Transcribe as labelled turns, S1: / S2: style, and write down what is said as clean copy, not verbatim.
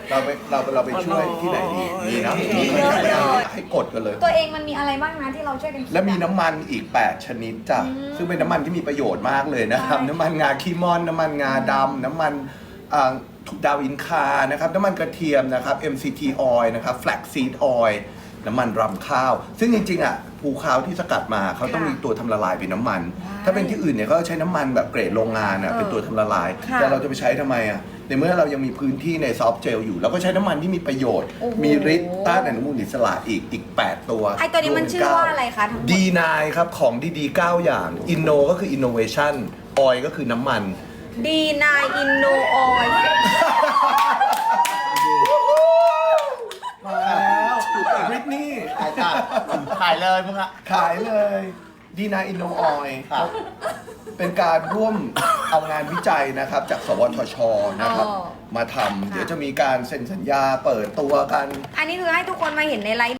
S1: เราไปช่วยที่ไหนดีนี่นะให้กดกันเลย
S2: ตัวเองมันมีอะไรบ้างนะที่เราช่วยกันคิด
S1: และมีน้ำมันอีก8ชนิดจ้ะซึ่งเป็นน้ำมันที่มีประโยชน์มากเลยนะครับน้ำมันงาขี้ม่อนน้ำมันงาดำน้ำมันดาวอินคานะครับน้ำมันกระเทียมนะครับ MCT oil นะครับ flaxseed oil น้ำมันรำข้าวซึ่งจริงๆอ่ะภูข้าวที่สกัดมาเขาต้องมีตัวทำละลายเป็นน้ำมันถ้าเป็นที่อื่นเนี่ยเขาใช้น้ำมันแบบเกรดโรงงานอ่ะเป็นตัวทำละลายแต่เราจะไปใช้ทำไมอ่ะในเมื่อเรายังมีพื้นที่ในซอฟต์เจลอยู่เราก็ใช้น้ำมันที่มีประโยชน์มีฤทธิ์ต้านอนุมูลอิสระอีก8ตัว
S2: ไอตัวนี้มันชื่อว่าอะไรคะทั้งหมด
S1: D9 ครับของดีๆ9อย่างอินโนก็คือ innovation oil ก็คือน้ำมัน
S2: D9 Inno Oil
S1: มาแล้วบริตนี่
S3: ขายเลยมึงอะ
S1: ขายเลยD9 Inno Oil เป็นการร่วมเอางานวิจัยนะครับจากสวทชนะครับมาทำเดี๋ยวจะมีการเซ็นสัญญาเปิดตัวกัน
S2: อันนี้คือให้ทุกคนมาเห็นในไลฟ์